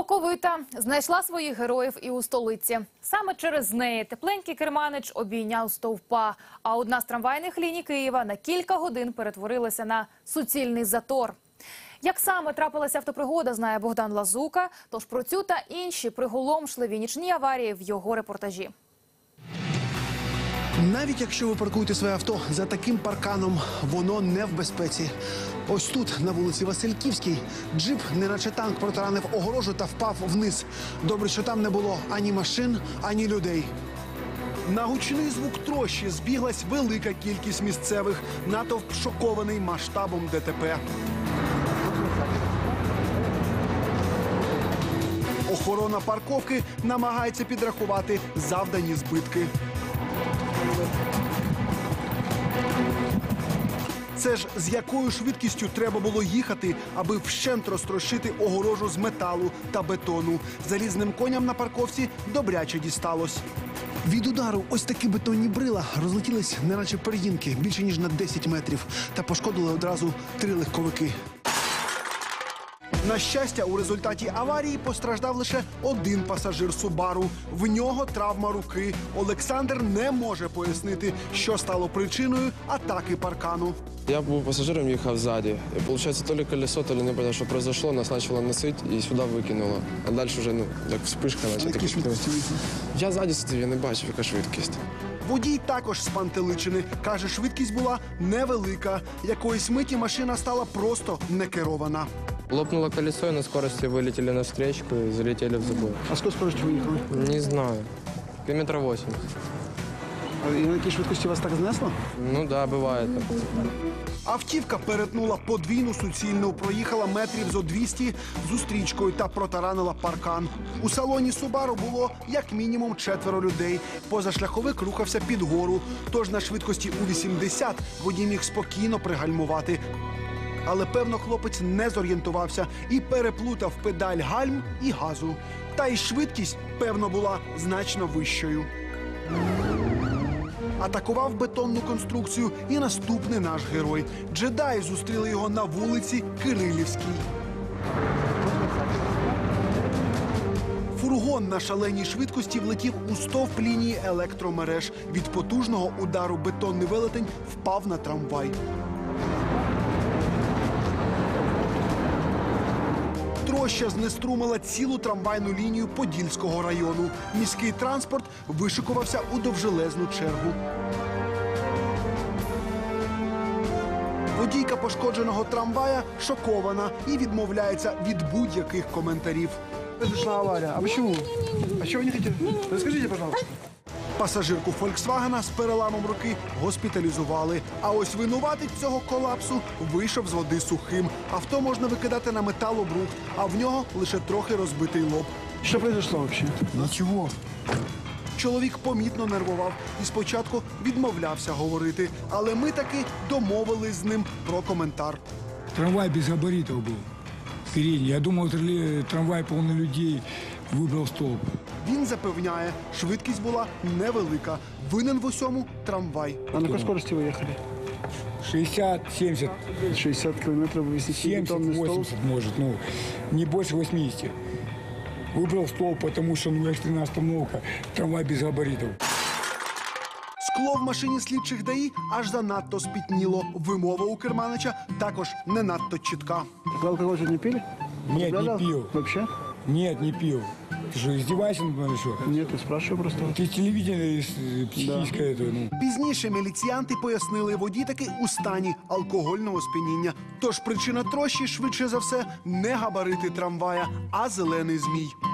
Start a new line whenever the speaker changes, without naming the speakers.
Оковита знайшла своїх героїв і у столиці. Саме через неї тепленький керманич обійняв стовпа, а одна з трамвайних ліній Києва на кілька годин перетворилася на суцільний затор. Як саме трапилася автопригода, знає Богдан Лазука, тож про цю та інші приголомшливі нічні аварії в його репортажі.
Навіть якщо ви паркуєте своє авто за таким парканом, воно не в безпеці. Ось тут, на вулиці Васильківській, джип, неначе танк, протаранив огорожу та впав вниз. Добре, що там не було ані машин, ані людей. На гучний звук трощі збіглась велика кількість місцевих. Натовп шокований масштабом ДТП. Охорона парковки намагається підрахувати завдані збитки. Це ж з якою швидкістю треба було їхати, аби вщент розтрощити огорожу з металу та бетону. Залізним коням на парковці добряче дісталось. Від удару ось такі бетонні брила розлетілись, неначе пер'їнки, більше ніж на 10 метрів. Та пошкодили одразу 3 легковики. На щастя, у результаті аварії постраждав лише один пасажир Субару. В нього травма руки. Олександр не може пояснити, що стало причиною атаки паркану.
Я був пасажиром, їхав ззаді. І, виходить, то ли колесо, то ли не знаю, що произошло, нас почало носити і сюди викинуло. А далі вже, як вспишка.
Які швидкості?
Я ззаді сидів, я не бачив, яка швидкість.
Водій також спантеличений. Каже, швидкість була невелика. Якоїсь миті машина стала просто некерована.
Лопнуло колесо, и на скорости вылетели на встречку и залетели в забор.
А скільки скоростю ви їхали?
Не знаю. Километра 80.
І на якій швидкості вас так знесло?
Ну да, бывает.
Автівка перетнула подвійну суцільну, проїхала метрів зо 200 зустрічкою та протаранила паркан. У салоні Субару було як мінімум 4 людей. Позашляховик рухався під гору, тож на швидкості у 80 водій міг спокійно пригальмувати. Але, певно, хлопець не зорієнтувався і переплутав педаль гальм і газу. Та й швидкість, певно, була значно вищою. Атакував бетонну конструкцію і наступний наш герой. Джедаї зустріли його на вулиці Кирилівській. Фургон на шаленій швидкості влетів у стовп лінії електромереж. Від потужного удару бетонний велетень впав на трамвай. Троща знеструмила цілу трамвайну лінію Подільського району. Міський транспорт вишикувався у довжелезну чергу. Водійка пошкодженого трамвая шокована і відмовляється від будь-яких коментарів. Произошла аварія. А чому? А чого ви не хотіли? Розкажіть, будь ласка. Пасажирку «Фольксвагена» з переламом руки госпіталізували. А ось винуватець цього колапсу вийшов з води сухим. Авто можна викидати на металобрухт, а в нього лише трохи розбитий лоб.
Що произошло взагалі?
Нічого. Чоловік помітно нервував і спочатку відмовлявся говорити. Але ми таки домовились з ним про коментар.
Трамвай без габаритов был. Передний. Я думал, трамвай полный людей, выбрал столб.
Він запевняє, швидкість була невелика. Винен в усьому трамвай.
А на какой скорости вы ехали?
60, 70,
60 километров вы
70, 80 может, ну, не больше 80. Выбрал столб, потому что, ну, экстренная остановка, трамвай без габаритов.
Скло в машині слідчих ДАІ аж занадто спітніло. Вимова у керманича також не надто чітка.
Вы алкоголь не пили?
Нет, не
Употребляли?
пил.
Вообще?
Нет, не пил. Ты что, издеваешься надо мной, что?
Нет, я спрашиваю просто.
Ты телевидение психическое это, ну.
Пізніше міліціянти пояснили, водій таки у стані алкогольного сп'яніння. Тож причина трощі, швидше за все, не габарити трамвая, а зелений змій.